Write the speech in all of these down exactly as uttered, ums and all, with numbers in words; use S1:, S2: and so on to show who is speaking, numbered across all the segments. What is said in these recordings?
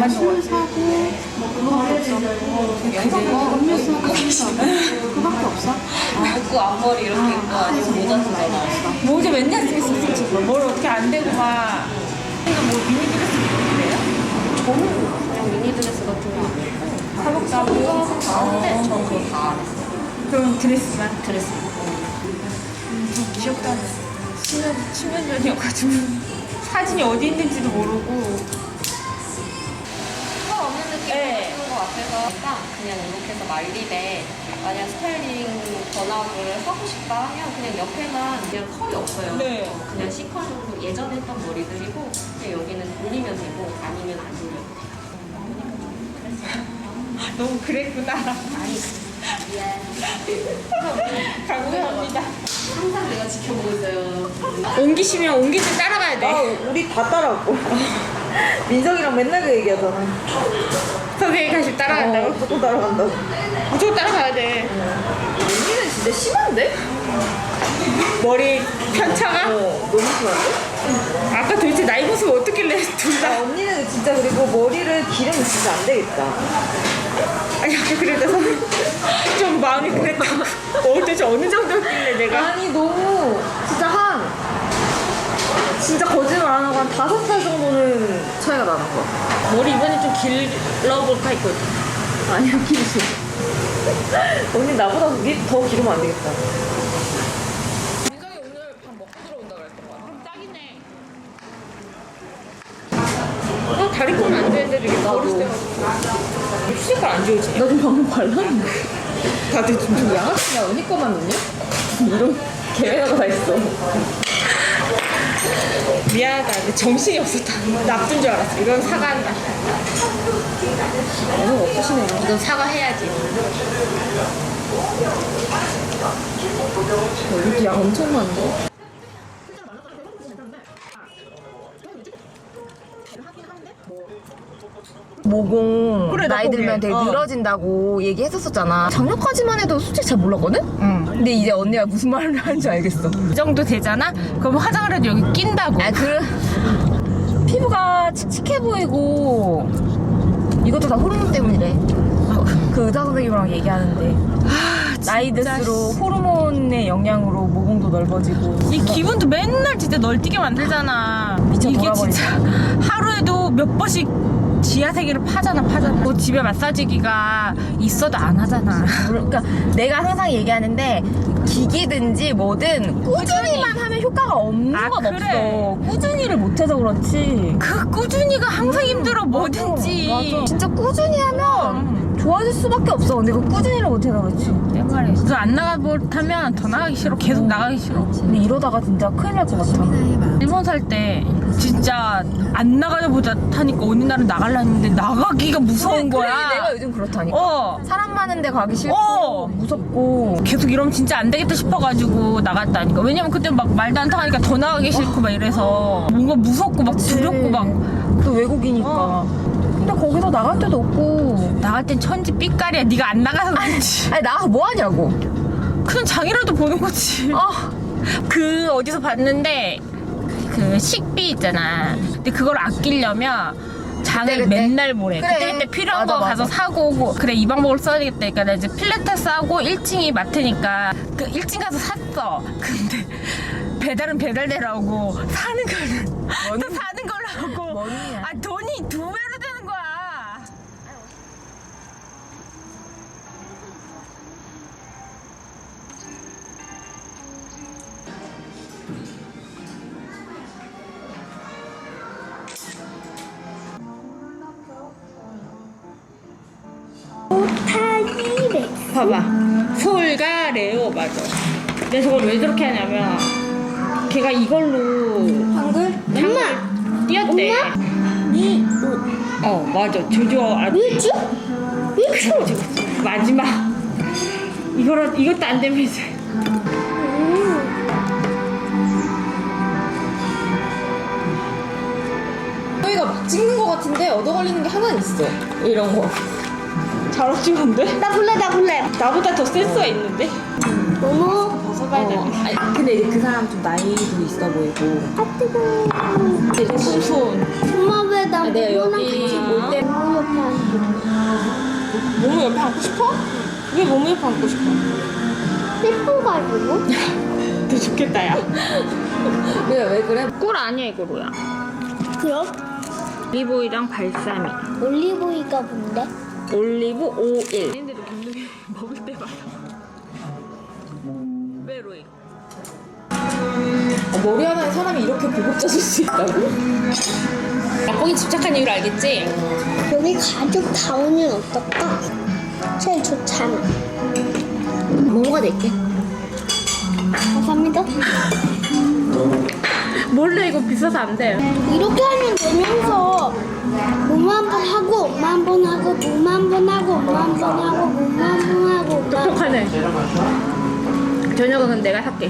S1: 술 사고 음료수 하고 술 사고 그밖에 없어?
S2: 복구 앞머리 이렇게 입고 아니면 모자 쓰잖아.
S3: 모자 맨날 쓰고 있었어 지금. 뭘 어떻게 안 되고 막. 이거 뭐 미니 드레스 입고 그래요?
S2: 저는 그냥 미니드레스 같은 거 안 입고 사복사고 하는데 저 그거 다 안 했어요.
S3: 그럼 드레스만.
S2: 드레스.
S3: 기억도 안 나. 십 년, 십 년 전이어가지고 사진이 어디 있는지도 모르고.
S2: 털 없는 느낌
S3: 네.
S2: 나는 것 같아서 일단 그냥 이렇게 해서 말립에 만약 스타일링 전압을 하고 싶다 하면 그냥 옆에만 그냥 컬이 없어요.
S3: 네.
S2: 어, 그냥 C컬로 예전에 했던 머리들이고 그냥 여기는 돌리면 되고 아니면 안 돌려도 돼요.
S3: 너무 그랬구나.
S2: 아니 미안.
S3: 감사합니다.
S2: 항상 내가 지켜보고 있어요.
S3: 옮기시면 옮길 때 따라가야 돼.
S4: 아, 우리 다 따라왔고. 민석이랑 맨날 그 얘기하잖아.
S3: 선생님 가시 따라간다고?
S4: 어, 무조건 따라간다고.
S3: 무조건 따라가야 돼.
S4: 언니는 진짜 심한데?
S3: 머리 편차가?
S4: 어, 너무 심한데?
S3: 아까 도대체 나이 모습 어떻길래 둘
S4: 아,
S3: 다.
S4: 언니는 진짜 그리고 머리를 기르면 진짜 안 되겠다.
S3: 아니 아까 그래서 좀 마음이 그랬다고. 어, 도대체 어느 정도였길래 내가.
S4: 아니, 너무 진짜 한 진짜 거짓말 안 하고 한 다섯 살 정도는 차이가 나는 거야.
S3: 머리 이번에 좀 길러볼까 했거든.
S4: 아니야, 기르지. 언니 나보다 니 더 기르면 안 되겠다.
S3: 민석이 오늘 밥 먹고 들어온다 그랬던 거야. 그럼 딱이네. 어, 다리 꼬면 안 되는데 이게 버릇 돼가지고. 휴지깔 안 지워지?
S4: 나 좀 방금 발랐는데.
S3: 다들 좀
S4: 야, 야, 언니 거만 넣냐? 이런 계획하고 다 있어.
S3: 미안하다. 근데 정신이 없었다. 나쁜 줄 알았어. 이건 사과한다.
S4: 너무 없으시네요.
S3: 이건 사과해야지.
S4: 여기 양 엄청 많은데? 모공
S3: 그래, 나
S4: 나이
S3: 거기에.
S4: 들면 되게
S3: 어.
S4: 늘어진다고 얘기했었었잖아. 작년까지만 해도 솔직히 잘 몰랐거든?
S3: 응.
S4: 근데 이제 언니가 무슨 말을 하는지 알겠어.
S3: 이 정도 되잖아? 그럼 화장을 해도 여기 낀다고.
S4: 아, 그 피부가 칙칙해 보이고 이것도 다 호르몬 때문이래. 그 의사 선생님이랑 얘기하는데 나이 들수록 호르몬의 영향으로 모공도 넓어지고.
S3: 이 기분도 맨날 진짜 널뛰게 만들잖아.
S4: 미쳐
S3: 이게
S4: 돌아버리네.
S3: 진짜 하루에도 몇 번씩 지하 세계를 파잖아, 파잖아. 뭐 집에 마사지기가 있어도 안 하잖아.
S4: 그러니까 내가 항상 얘기하는데 기기든지 뭐든 꾸준히만 하면 효과가 없는
S3: 아,
S4: 건
S3: 그래.
S4: 없어. 꾸준히를 못해서 그렇지.
S3: 그 꾸준히가 항상 힘들어, 뭐든지.
S4: 맞아. 진짜 꾸준히 하면 좋아질 수밖에 없어. 근데 그 꾸준히를 못해서 그렇지.
S3: 내 말에. 그래서 안 나가 못하면 더 나가기 싫어. 계속 나가기 싫어.
S4: 근데 이러다가 진짜 큰일 날 것 같아.
S3: 일본 살 때 진짜 안 나가자 보자 하니까 어느 날은 나갈라 했는데 나가기가 무서운
S4: 그래,
S3: 거야.
S4: 내가 요즘 그렇다니까.
S3: 어.
S4: 사람 많은데 가기 싫고
S3: 어.
S4: 무섭고.
S3: 계속 이러면 진짜 안 되겠다 싶어가지고 나갔다니까. 왜냐면 그때 막 말도 안 통하니까 더 나가기 싫고 막 이래서 뭔가 무섭고 막 두렵고 막.
S4: 또 외국이니까.
S3: 어.
S4: 근데 거기서 나갈 데도 없고.
S3: 나갈 땐 천지 삐까리야. 네가 안 나가서 그렇지.
S4: 아니 나가서 뭐 하냐고.
S3: 그냥 장이라도 보는 거지.
S4: 아.
S3: 그 어디서 봤는데 그 식비 있잖아. 근데 그걸 아끼려면 장을
S4: 그때, 그때.
S3: 맨날 보래.
S4: 그래.
S3: 그때 그때 필요한
S4: 맞아,
S3: 거 가서
S4: 맞아.
S3: 사고 오고. 그래 이 방법을 써야 되겠다. 그러니까 나 이제 필라테스 하고 일 층이 마트니까 그 일 층 가서 샀어. 근데 배달은 배달대로 하고 사는 거는 또 사는 걸로 하고.
S4: 뭔이야.
S3: 아 돈이 두 배로 되는 거야. 봐봐. 서울가 레오 맞아. 근데 저걸 왜 저렇게 하냐면 걔가 이걸로
S4: 한글?
S3: 장을 띄었대.
S1: 니
S3: 어 맞아. 조조 아
S1: 왜죠? 왜죠?
S3: 마지막 이거라 이것도 안 되면 이제
S4: 저희가 막 찍는 거 같은데 얻어 걸리는 게 하나 있어. 이런 거.
S3: 잘 어찌는데?
S1: 나 볼래 나 볼래.
S3: 나보다 더 센스가 있는데?
S1: 어머.
S3: 벗어봐야 되네.
S4: 아니, 근데 이제 그 사람 좀 나이도 있어 보이고.
S1: 아 뜨거.
S3: 되게 손손.
S1: 엄마 왜나
S4: 내가
S1: 이거랑
S4: 여기
S1: 같이
S4: 올 때
S3: 모모 옆에 앉고 싶어? 왜 모모 옆에 앉고 싶어?
S1: 예뻐가지고.
S3: 더 좋겠다 야.
S4: 왜, 왜 그래?
S3: 꿀 아니야 이거 뭐야?
S1: 그럼
S3: 올리브오일이랑 발사믹.
S1: 올리브오일가 뭔데?
S3: 올리브 오일. 근데도 감독이 먹을 때마다 왜 로이?
S4: 어, 머리 하나에 사람이 이렇게 보급자질 수 있다고?
S3: 거기 집착한 이유를 알겠지?
S1: 여기 가죽 다운은 어떨까? 제일 좋잖아.
S4: 모모가 낼게.
S1: 감사합니다.
S3: 몰래 이거 비싸서 안 돼.
S1: 이렇게 하면 되면서 몸 한 번 하고 엄마 한 번 하고 몸 한 번 하고 엄마 한 번 하고 몸 한 번 하고 엄마 한 번.
S3: 똑똑하네. 저녁은 내가 살게.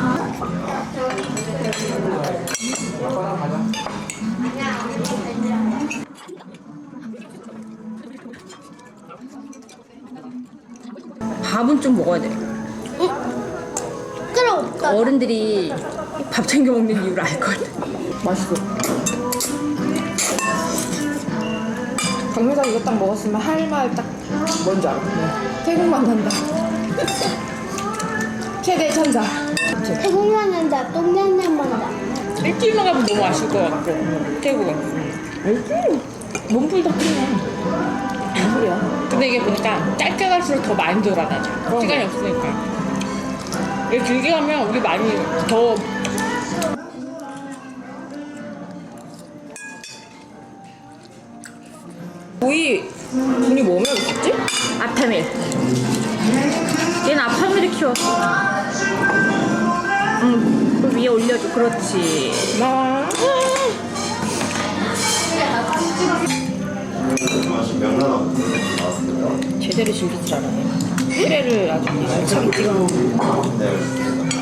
S3: 밥은 좀 먹어야 돼.
S1: 그럼 없다.
S3: 어른들이 밥 챙겨 먹는 이유를 알 것 같아.
S4: 맛있어. 강매장 이거 딱 먹었으면 할 말 딱 뭔지 알아? 태국만 난다. 최대 천사.
S1: 태국만 한다. 똥냥냥 한다.
S3: 일주일만 가면 너무 아쉬울 것 같고. 태국은.
S4: 알지? 몸풀 다 크네. 무슨 소리야?
S3: 근데 이게 보니까 짧게 갈수록 더 많이 돌아다녀.
S4: 어.
S3: 시간이 없으니까. 이게 길게 가면 우리 많이 더.
S4: 우리 분이 뭐 먹었지?
S3: 아타밀. 얘는 아타밀을 키웠어. 응, 그 위에 올려줘. 그렇지.
S4: 나.
S5: 명란하고 나왔어요.
S3: 제대로 즐길 줄 알아요. 피레를 아주 알차게 찍어.
S5: 네, 알겠습니다.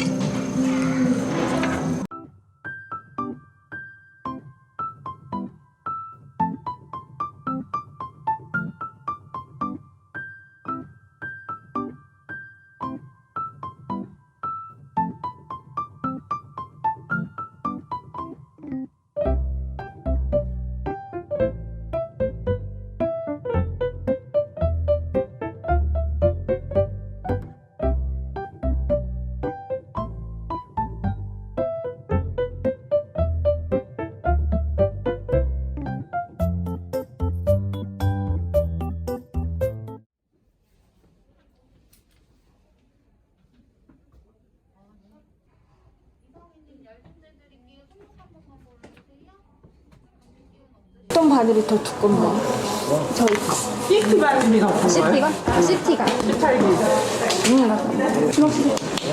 S4: 어떤 바늘이 더 두껍나? 저희
S3: 시티 바늘이 더
S4: 시티가? 시티가. 응, 맞다. 주먹시.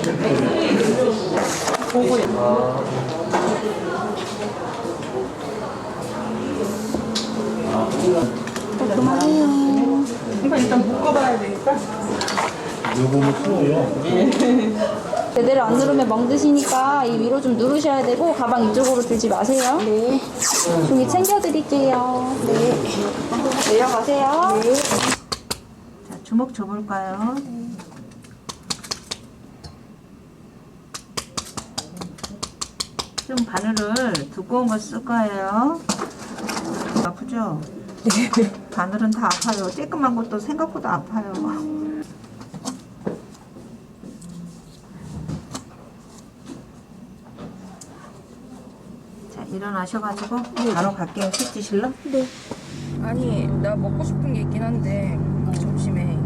S3: 이거 일단 묶어봐야 되니까.
S5: 요거는 투어요.
S6: 제대로 안 누르면 멍드시니까 이 위로 좀 누르셔야 되고 가방 이쪽으로 들지 마세요. 네. 종이 챙겨드릴게요. 네. 내려가세요. 네.
S3: 자, 주먹 줘볼까요? 좀 바늘을 두꺼운 거 쓸 거예요. 아프죠? 네. 바늘은 다 아파요. 쬐끔한 것도 생각보다 아파요. 자, 일어나셔가지고 바로 갈게요. 식 드실러?
S1: 네.
S4: 아니, 나 먹고 싶은 게 있긴 한데 점심에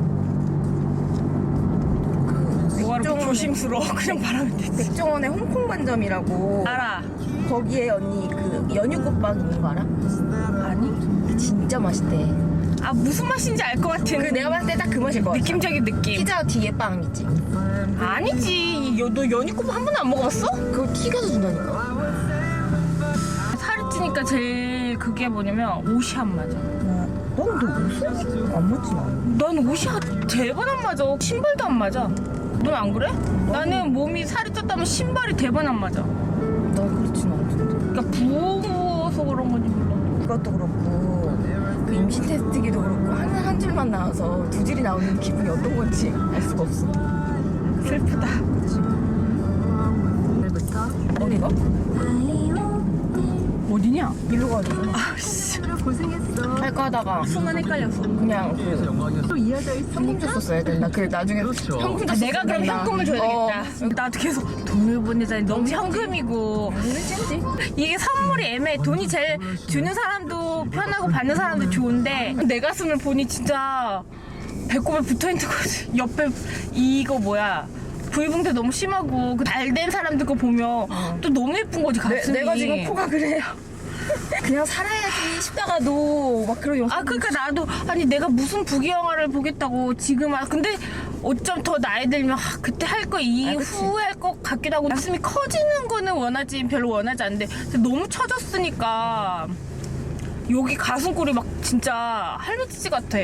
S3: 뭐하러 조심스러워. 그냥 말하면 되지.
S4: 백종원의 홍콩 반점이라고.
S3: 알아.
S4: 거기에 언니 그 연유국밥 있는 거 알아? 아니? 진짜 맛있대.
S3: 아, 무슨 맛인지 알 것 같은.
S4: 그 내가 봤을 때 딱 그 맛일 것 같아.
S3: 느낌적인 느낌.
S4: 피자 뒤에 빵 있지?
S3: 아니지. 여, 너 연유국 한 번도 안 먹어봤어?
S4: 그거 튀겨서 준다니까.
S3: 살이 찌니까 제일 그게 뭐냐면 옷이 안 맞아.
S4: 넌너 옷이 안 맞지 나?
S3: 난 옷이 대번 안 맞아. 신발도 안 맞아. 넌 안 그래? 나는 몸이 살이 쪘다면 신발이 대번 안 맞아.
S4: 난 그렇진 않던데.
S3: 그러니까 부어서 그런 건지 몰라.
S4: 그것도 그렇고 그 임신 테스트기도 그렇고 한, 한 줄만 나와서 두 줄이 나오는 기분이 어떤 건지 알 수가 없어.
S3: 슬프다.
S4: 오늘부터
S3: 어디가? 어디냐? 어디냐? 일로 가야 되잖아. 아씨. 고생했어. 할까 하다가 순간 헷갈렸어. 그냥 그 현금 줬었어야 된다. 그래 나중에 현금 줬었어. 아, 내가 그럼 현금을 줘야 되겠다. 나도 계속 돈을 보내자니 너무 현금이고. 이게 선물이 애매해. 돈이 제일 주는 사람도 편하고 받는 사람도 좋은데 내 가슴을 보니 진짜 배꼽에 붙어있는 거지. 옆에 이거 뭐야. 부위붕대 너무 심하고 그 날된 사람들 거 보면 또 너무 예쁜 거지 가슴이.
S4: 내, 내가 지금 코가 그래요. 그냥 살아야지 싶다가도 막 그런 영상.
S3: 아 그러니까 나도 아니 내가 무슨 부귀 영화를 보겠다고 지금 아 근데 어쩜 더 나이 들면 아, 그때 할 거 이후에 할 것 같기도 하고 가슴이 커지는 거는 원하지 별로 원하지 않는데 너무 처졌으니까 여기 가슴골이 막 진짜 할미치지 같아.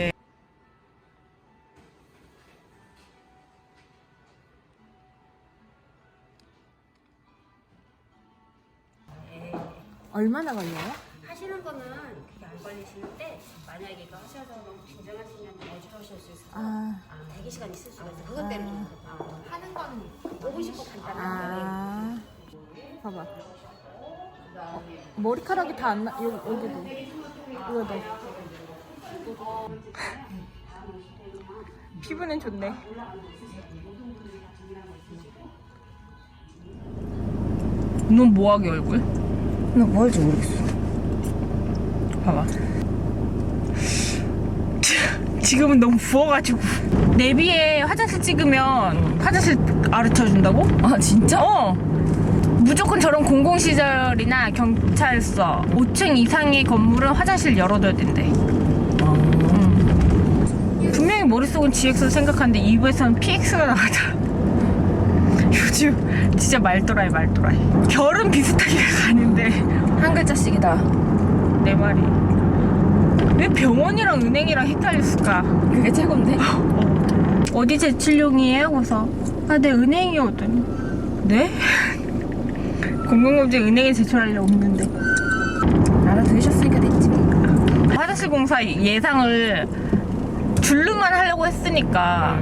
S3: 얼마나 걸려요?
S7: 하시는 거는 그게 안 걸리시는데 만약에 이거 하셔서 너무 긴장하시면 어지러우실 수 있어서
S3: 아,
S7: 아, 대기 시간 있을 수가 있어요. 그것 때문에 아, 하는 거는 보고 싶고 간단한데
S3: 아, 봐봐. 어, 머리카락이 다 안 나. 여기 여기도. 이거도. 피부는 좋네. 넌 뭐하게 얼굴?
S4: 나 뭐 할지 모르겠어.
S3: 봐봐. 지금은 너무 부어가지고. 내비에 화장실 찍으면 화장실 가르쳐준다고?
S4: 아 진짜?
S3: 어. 무조건 저런 공공시설이나 경찰서 오 층 이상의 건물은 화장실 열어둬야 된대. 음. 분명히 머릿속은 지엑스를 생각하는데 입에서는 피엑스가 나가더라. 요즘 진짜 말도라이 말도라이. 결은 비슷하게 가는데
S4: 한 글자씩이다.
S3: 내 말이 왜 병원이랑 은행이랑 헷갈렸을까?
S4: 그게 최고인데?
S3: 어디 제출용이에요? 그래서 아, 네 은행이요. 그랬더니 네? 공공금지 은행에 제출하려고 했는데
S4: 알아들으셨으니까 됐지.
S3: 화장실 공사 예상을 줄루만 하려고 했으니까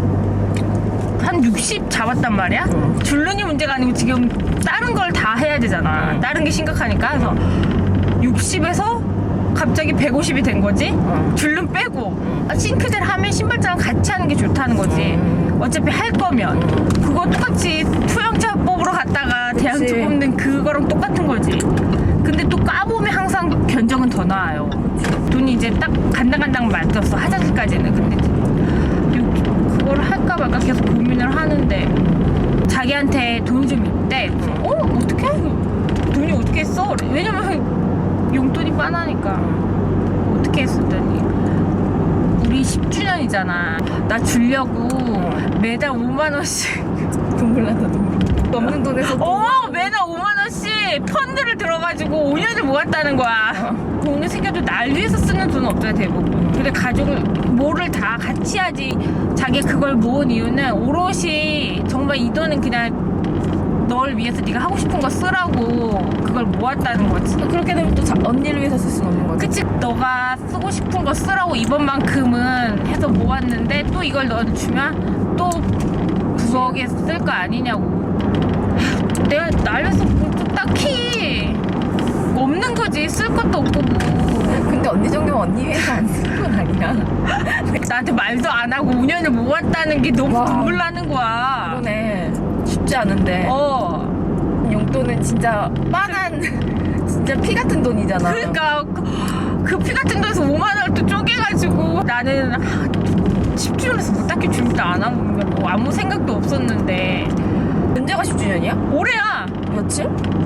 S3: 한 육십 잡았단 말이야? 줄눈이 문제가 아니고 지금 다른 걸 다 해야 되잖아. 다른 게 심각하니까. 그래서 육십에서 갑자기 백오십이 된 거지? 줄눈 빼고. 아, 싱크대를 하면 신발장을 같이 하는 게 좋다는 거지. 어차피 할 거면. 그거 똑같이 투영차법으로 갔다가 대학
S4: 그치.
S3: 뽑는 그거랑 똑같은 거지. 근데 또 까보면 항상 견적은 더 나아요. 돈이 이제 딱 간당간당 맞았어. 화장실까지는. 근데 그거를 할까 말까 계속 고민을 하는데 자기한테 돈이 좀 있대. 어? 어떻게? 돈이 어떻게 했어? 왜냐면 용돈이 빠나니까. 어떻게 했었더니 우리 십 주년이잖아. 나 주려고 매달 오만 원씩
S4: 눈물 난다 눈물. 없는 돈에서
S3: 어 매달 오만 원씩 펀드를 들어가지고 오 년을 모았다는 거야. 돈을 생겨도 날 위해서 쓰는 돈은 없잖아 대부분. 근데 가족을 뭐를 다 같이 하지. 자기 그걸 모은 이유는 오롯이 정말 이 돈은 그냥 널 위해서 네가 하고 싶은 거 쓰라고 그걸 모았다는 거지.
S4: 그렇게 되면 또 자, 언니를 위해서 쓸 수는 없는 거지.
S3: 그치? 너가 쓰고 싶은 거 쓰라고 이번만큼은 해서 모았는데 또 이걸 너한테 주면 또 부엌에 쓸 거 아니냐고. 내가 날려서 뭐 딱히 없는 거지. 쓸 것도 없고 뭐.
S4: 근데 언니 정도면 언니 위해서 안 쓰는 건 아니야.
S3: 나한테 말도 안 하고 오 년을 모았다는 게 너무
S4: 와.
S3: 눈물 나는 거야.
S4: 그러네. 쉽지 않은데.
S3: 어.
S4: 용돈은 진짜 빤한 진짜 피 같은 돈이잖아.
S3: 그러니까 그 피 같은 돈에서 오만 원을 또 쪼개가지고 나는 십 주년에서 뭐 딱히 준비도 안 하고 뭐 아무 생각도 없었는데
S4: 언제가 십 주년이야?
S3: 올해야.
S4: 며칠?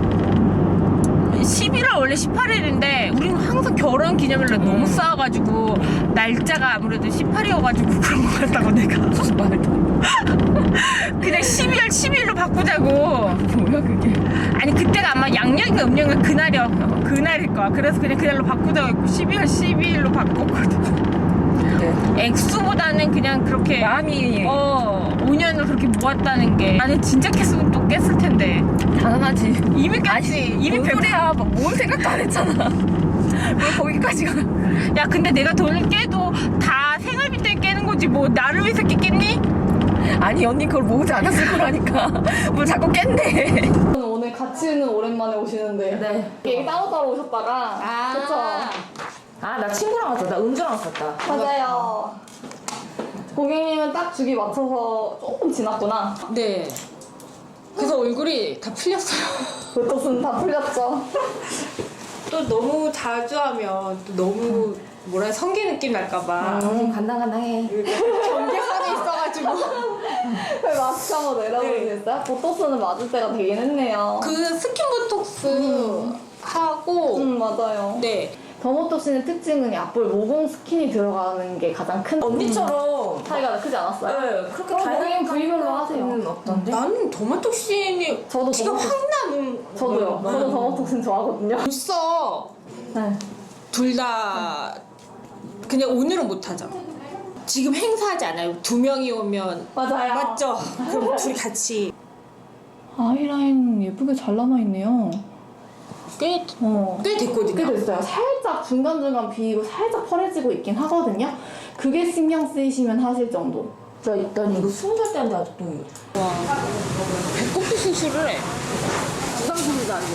S3: 십일월 원래 십팔 일인데 우리는 항상 결혼 기념일로
S4: 음.
S3: 너무 싸워가지고 날짜가 아무래도 십팔이어가지고 그런 것 같다고 내가
S4: 말도.
S3: 그냥 십이월 십일로 바꾸자고.
S4: 뭐야 그게?
S3: 아니 그때가 아마 양력인가 음력인가 그날이야. 그날일 거야. 그래서 그냥 그날로 바꾸자고 했고 십이월 십이일로 바꿨거든.
S4: 네.
S3: 액수보다는 그냥 그렇게
S4: 마음이
S3: 어 오 년을 그렇게 모았다는 게 나는 진짜 깼으면 또 깼을 텐데
S4: 당연하지.
S3: 이미 깼지. 이미
S4: 뭔
S3: 백...
S4: 소리야? 막 뭔 생각도 안 했잖아. 뭘 거기까지 가?
S3: 야 근데 내가 돈을 깨도 다 생활비 때문에 깨는 거지 뭐 나를 위해서 깼겠니?
S4: 아니 언니 그걸 모으지 않았을 거라니까. 뭘 자꾸 깬대.
S6: 오늘 같이 같이는 오랜만에 오시는데.
S3: 네.
S6: 이게 따로따로 오셨다가.
S3: 아.
S6: 그쵸?
S3: 아, 나 친구랑 왔다. 나 은주랑 왔었다.
S6: 맞아요. 고객님은 딱 주기 맞춰서 조금 지났구나.
S3: 네. 그래서 얼굴이 다 풀렸어요.
S6: 보톡스는 다 풀렸죠.
S3: 또 너무 자주 하면 또 너무 뭐라 성기 느낌 날까봐.
S6: 간당간당해.
S3: 경계선에 있어가지고.
S6: 왜 마스크 한번 내려보시겠어요? 보톡스는 맞을 때가 되긴 했네요.
S3: 그 스킨 보톡스 하고,
S6: 음, 맞아요.
S3: 네.
S6: 더모톡스의 특징은 약볼 모공 스킨이 들어가는 게 가장 큰
S3: 언니처럼.
S6: 차이가 크지 않았어요?
S3: 네, 그렇게
S6: 그럼 고객님 부위별로 하세요.
S3: 없던데? 나는 더마톡신이
S6: 저도
S3: 티가
S6: 더마톡-
S3: 확 나는.
S6: 저도요.
S3: 거예요.
S6: 저도 더모톡신 좋아하거든요.
S3: 벌써
S6: 네.
S3: 둘 다 그냥 오늘은 못하죠. 지금 행사하지 않아요. 두 명이 오면.
S6: 맞아요.
S3: 맞죠? 그럼 둘이 같이.
S6: 아이라인 예쁘게 잘 남아있네요.
S3: 꽤,
S6: 어.
S3: 꽤 됐거든요.
S6: 꽤 됐어요. 살짝 중간중간 비고 살짝 펄해지고 있긴 하거든요. 그게 신경 쓰이시면 하실 정도. 저 있더니
S3: 이거 스무 살 때 하는데 아직도. 와. 배꼽도 수술을 해. 부상수술도 안 돼.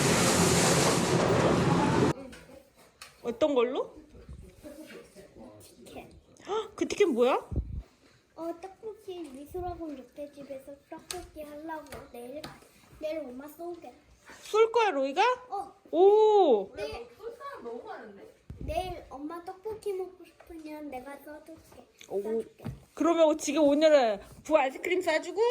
S3: 어떤 걸로?
S1: 티켓.
S3: 헉, 그 티켓 뭐야?
S1: 어, 떡볶이 미술학원 옆에 집에서 떡볶이 하려고 내일 내일 엄마 쏘게.
S3: 쏠 거야, 로이가?
S1: 어,
S3: 오!
S1: 내일 내일 엄마 떡볶이 먹고 싶으면 내가 써줄게. 써줄게.
S3: 그러면 지금 오늘은 부 아이스크림 싸주고?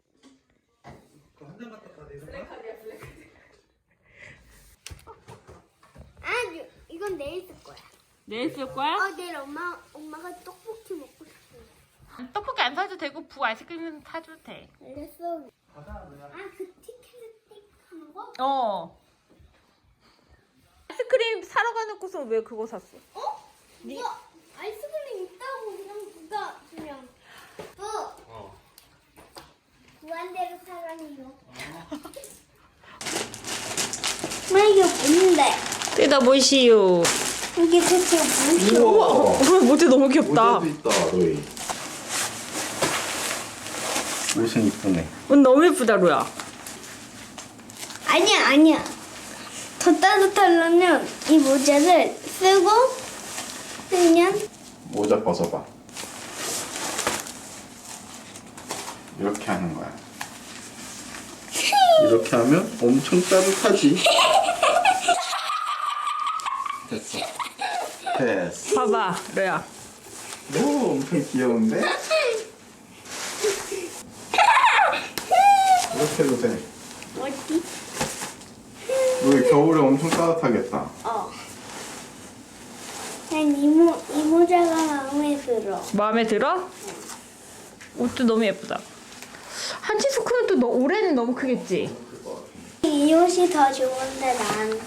S1: 아, 이- 이건 내일 쓸 거야.
S3: 내일 쓸 거야?
S1: 어, 내일 엄마 엄마가 떡볶이 먹고 싶어.
S3: 떡볶이 안 사도 되고 부 아이스크림 사줘도 돼.
S1: 알겠어. 아, 그 티켓을 띡하는 거?
S3: 어. 아이스크림 사러 가놓고서 왜 그거 샀어?
S1: 어? 이거 아이스크림 있다고 그냥 누가 그냥 부. 무한대로 사랑해요. 나 이게 뭔데?
S3: 뜯어 보시오.
S1: 이게 대체 무슨?
S5: 우와.
S3: 어, 모자 너무 귀엽다.
S5: 모자도 있다, 로이. 옷은 이쁘네.
S3: 오늘 너무 예쁘다, 로야.
S1: 아니야, 아니야. 더 따뜻하려면 이 모자를 쓰고 그냥
S5: 모자 벗어봐. 이렇게 하는 거야. 이렇게 하면 엄청 따뜻하지. 됐어. 됐어.
S3: 봐봐, 로야.
S5: 오, 엄청 귀여운데? 이렇게 해도 돼.
S1: 어디?
S5: 우리 겨울에 엄청 따뜻하겠다.
S1: 어. 난 이 모, 이 모자가 마음에 들어.
S3: 마음에 들어? 옷도 너무 예쁘다. 한치 스크는 또 너, 올해는 너무 크겠지?
S1: 이 옷이 더 좋은데 난.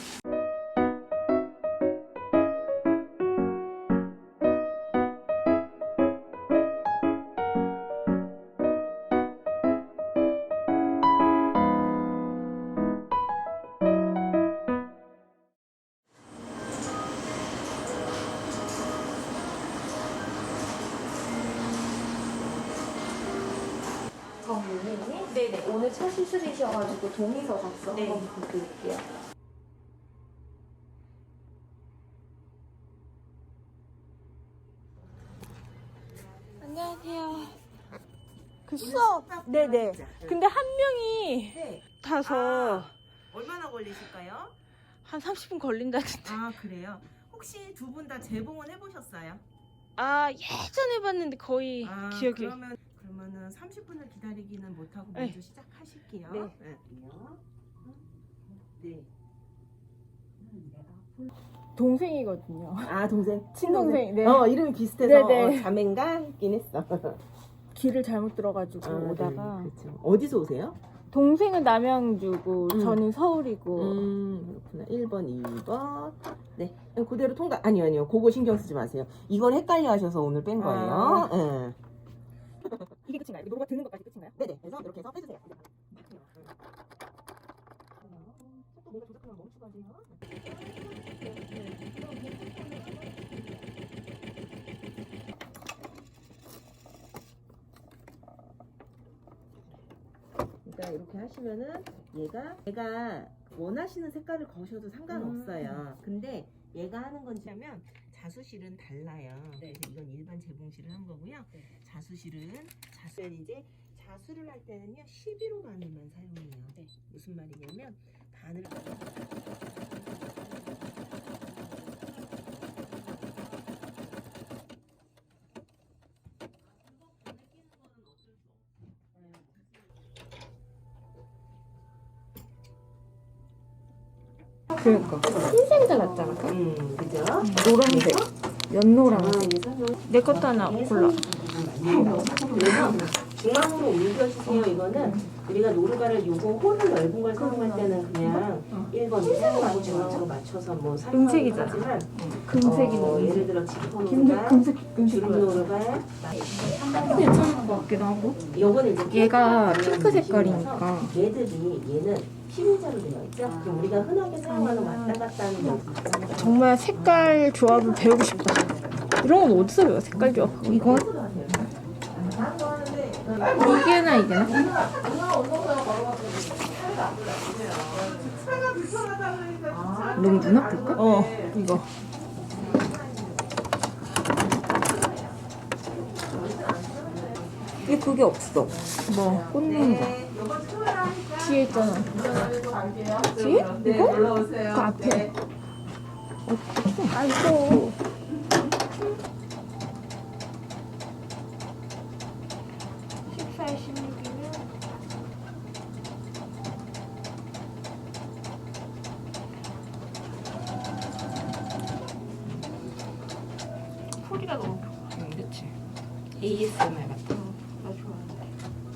S6: 정유미님? 네네. 오늘 첫 시술이셔가지고 동의서 작성 한번 부탁드릴게요.
S3: 안녕하세요. 그 수업. 네네. 근데 한 명이
S8: 네.
S3: 타서
S8: 얼마나 걸리실까요?
S3: 한 삼십 분 걸린다던데.
S8: 아 그래요? 혹시 두 분 다 재봉은 해보셨어요?
S3: 아, 예전에 봤는데 거의
S8: 아
S3: 기억이.
S8: 그러면 그러면은 삼십 분을 기다리기는 못하고
S3: 네.
S8: 먼저 시작하실게요.
S3: 네.
S8: 네. 네.
S3: 동생이거든요.
S8: 아 동생
S3: 친동생, 네.
S8: 어 이름이 비슷해서
S3: 네네.
S8: 어, 자매인가 했긴 했어.
S3: 길을 잘못 들어가지고
S8: 아,
S3: 오다가
S8: 네, 그렇죠. 어디서 오세요?
S3: 동생은 남양주고
S8: 음.
S3: 저는 서울이고.
S8: 음 그렇구나. 일 번, 이 번. 네. 그대로 통과. 아니요 아니요. 그거 신경 쓰지 마세요. 이건 헷갈려 하셔서 오늘 뺀 거예요.
S3: 아.
S8: 네. 이게 끝인가요? 노루가 드는 것까지 끝인가요? 네네. 그래서 이렇게 해서 빼주세요. 속도 뭔가 조작하면 멈추고 하세요. 그러니까 이렇게 하시면은 얘가 얘가 원하시는 색깔을 거셔도 상관없어요. 근데 얘가 하는 건지 하면 자수실은 달라요.
S2: 네.
S8: 그래서 이건 일반 재봉실을 한 거고요.
S2: 네.
S8: 자수실은 자수는 이제 자수를 할 때는요 십일 호 바늘만 사용해요.
S2: 네.
S8: 무슨 말이냐면 바늘
S6: 그러니까 흰색깔 났잖아.
S8: 음 그죠?
S6: 노란색, 연노란색. 내 것도 하나 골라.
S8: 중앙으로 옮겨주세요. 이거는 우리가 노루발을 요거 홀을 넓은 걸 사용할 때는 그냥 일 번 색만 중앙으로 맞춰서 뭐
S6: 금색이잖아.
S8: 하지만
S6: 금색이
S8: 어,
S6: 너무
S8: 예를 들어 지퍼 노루발, 주름 노루발
S6: 괜찮은 것 같기도 하고.
S8: 요거는 이제
S6: 얘가
S8: 핑크
S6: 핑크 색깔이니까.
S8: 얘들이 얘는 피부자로 되어 있죠. 그럼 우리가 흔하게 사용하는 왔다 갔다 하는 거
S6: 정말 색깔 조합을 배우고 싶다. 이런 건 어디서 배워? 색깔 조합. 이건 이게나 이게나. 너무 눈 아플까? 어, 이거.
S8: 이게 그게 없어.
S6: 뭐 꽂는 거. 뒤에 있잖아. 뒤에? 이거? 그 앞에. 아 이거. 십사, 십육이면 소리가 너무
S2: 응, 그치. 에이에스엠알 같아.
S6: 나 좋아하는데.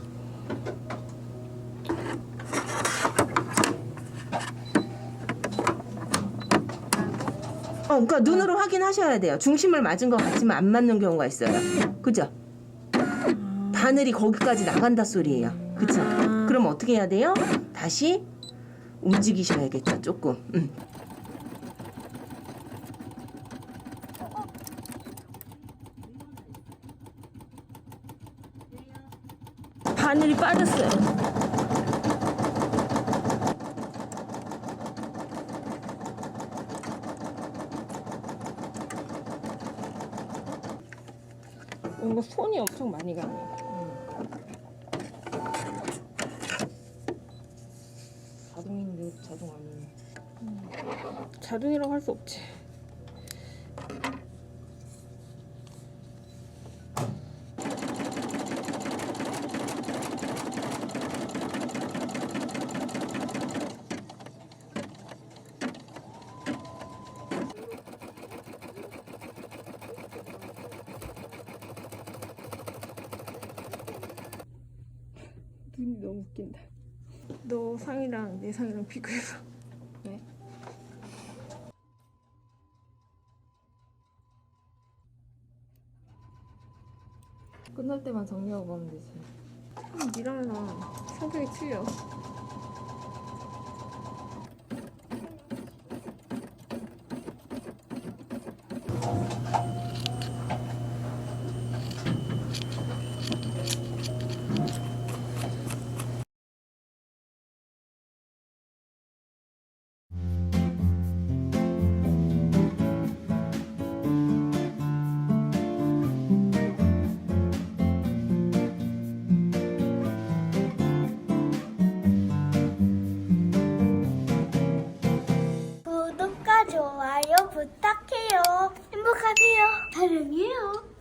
S8: 어, 그러니까 눈으로 확인하셔야 돼요. 중심을 맞은 것 같지만 안 맞는 경우가 있어요. 그죠? 바늘이 거기까지 나간다 소리예요. 그쵸? 그럼 어떻게 해야 돼요? 다시 움직이셔야겠죠, 조금. 음.
S6: 바늘이 빠졌어요. 뭔가 손이 엄청 많이 가네.
S8: 자동인데 자동 아니에요.
S6: 자동이라고 할 수 없지. 눈이 너무 웃긴다. 너 상이랑 내 상이랑 비교해봐. 왜? 끝날 때만 정리하고 가면 되지. 음, 니랑 나 성격이 틀려.
S1: 구독과 좋아요 부탁해요. 행복하세요. 사랑해요.